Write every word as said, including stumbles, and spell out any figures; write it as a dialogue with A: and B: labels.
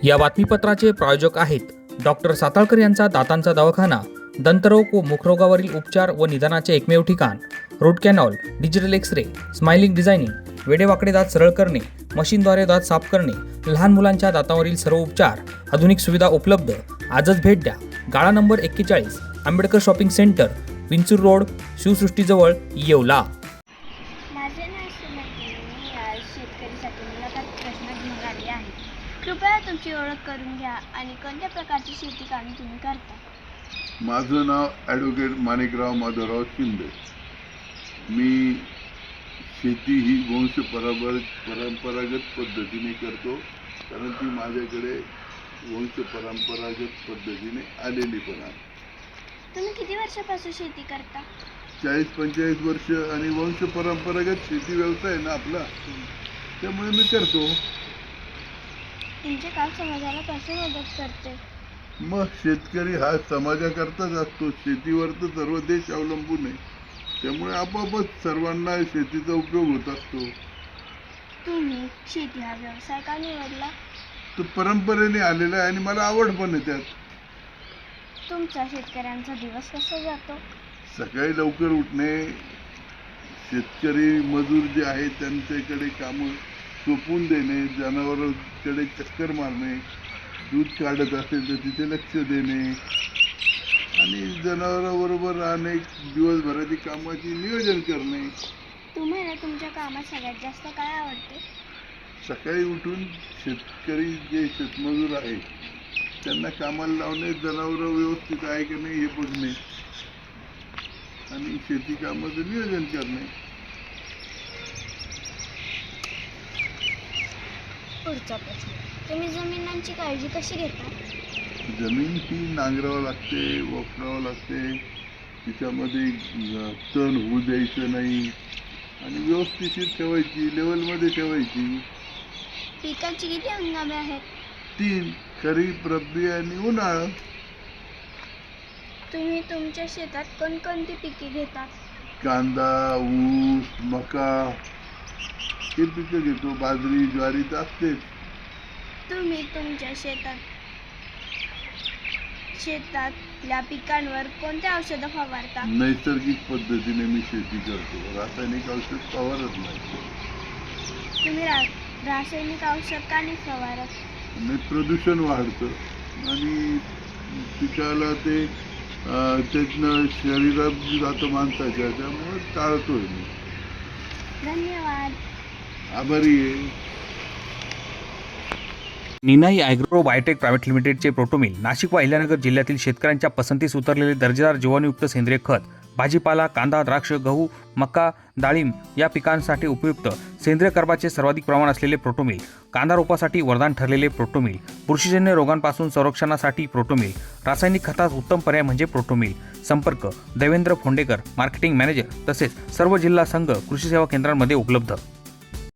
A: या बातमीपत्राचे प्रायोजक आहेत डॉक्टर साताळकर यांचा दातांचा दवाखाना, दंतरोग व मुखरोगावरील उपचार व निदानाचे एकमेव ठिकाण. Root canal, digital x ray, smiling designing, वेडेवाकडे दात सरळ करणे, मशीनद्वारे दात साफ करणे, लहान मुलांच्या दातांवरील सर्व उपचार, आधुनिक सुविधा उपलब्ध. आजच भेट द्या. गाळा नंबर एक्केचाळीस, Ambedkar shopping centre, Vinchur road, शिवसृष्टीजवळ, येवला.
B: माझे नाव सुमती. मी आज शेतकरीसाठी मुलाखत प्रश्न घेऊन आली आहे. कृपया तुमची ओळख करून घ्या आणि कोणत्या प्रकारची शेती कामे तुम्ही करता.
C: माझं नाव ॲडव्होकेट माणिकराव माधवराव शिंदे. मी शेती ही वंश परंपर परंपरागत पद्धतीने करतो, कारण ती माझ्याकडे वंश परंपरागत पद्धतीने आलेली पण आहे.
B: तुम्ही किती वर्षापासून शेती करता.
C: चाळीस पंचेचाळीस वर्ष आणि वंश परंपरागत शेती व्यवसाय ना आपला, त्यामुळे मी करतो.
B: तुमचे काम समाजाला कसे मदत करते.
C: मग शेतकरी हा समाजाकरताच असतो. शेतीवर तर सर्व देश अवलंबून आहे, त्यामुळे आपोआपच सर्वांना शेतीचा उपयोग होत असतो.
B: तुम्ही शेती हा व्यवसाय का निवडला.
C: तो परंपरेने आलेला आहे आणि मला आवड पण आहे त्यात.
B: तुमचा शेतकऱ्यांचा दिवस कसा जातो.
C: सकाळी लवकर उठणे, शेतकरी मजूर जे आहेत त्यांच्याकडे कामं सोपवून देणे, जनावरांकडे चक्कर मारणे, दूध काढत असेल तर तिथे लक्ष देणे आणि जनावरांबरोबर राहणे, दिवसभराची कामाची नियोजन करणे.
B: तुम्हाला तुमच्या कामात सगळ्यात जास्त काय आवडते.
C: सकाळी उठून शेतकरी जे शेतमजूर आहेत त्यांना कामाला लावणे, जनावरं व्यवस्थित आहे की नाही हे बघणे आणि शेती कामाचं नियोजन करणे.
B: पुढचा प्रश्न. तुम्ही जमिनांची काळजी कशी घेता.
C: जमीन ही नांगरावं लागते, वखरावं लागते, तिच्यामध्ये तण होऊ द्यायचं नाही आणि व्यवस्थित ठेवायची, लेवलमध्ये ठेवायची.
B: पिकांची किती हंगामे आहेत.
C: तीन, खरीप, रब्बी आणि उन्हाळा.
B: तुम्ही तुमच्या शेतात कोणकोणती पिके घेता.
C: कांदा, ऊस, मका हे पिकं घेतो. बाजरी, ज्वारी तर असतेच.
B: तुम्ही तुमच्या शेतात शेतातल्या पिकांवर कोणत्या औषधं फवारता.
C: नैसर्गिक पद्धतीने मी शेती करतो, रासायनिक औषध फवारत नाही.
B: तुम्ही रा रासायनिक औषध का नाही फवारत.
C: आणि प्रदूषण वाढतं आणि पिकाला ते त्यातनं शरीरात जातं माणसाच्या, त्यामुळे टाळतोय मी.
B: धन्यवाद.
C: आभारी आहे.
A: निनाई ॲग्रो बायोटेक प्रायव्हेट लिमिटेडचे प्रोटोमिल नाशिक व अहिल्यानगर जिल्ह्यातील शेतकऱ्यांच्या पसंतीस उतरलेले दर्जेदार जीवाणूयुक्त सेंद्रिय खत, भाजीपाला, कांदा, द्राक्ष, गहू, मका, डाळिंब या पिकांसाठी उपयुक्त सेंद्रिय कर्बाचे सर्वाधिक प्रमाण असलेले प्रोटोमिल, कांदा रोपासाठी वरदान ठरलेले प्रोटोमिल, बुरशीजन्य रोगांपासून संरक्षणासाठी प्रोटोमिल, रासायनिक खतास उत्तम पर्याय म्हणजे प्रोटोमिल. संपर्क देवेंद्र फोंडेकर, मार्केटिंग मॅनेजर, तसेच सर्व जिल्हा संघ कृषी सेवा केंद्रांमध्ये उपलब्ध.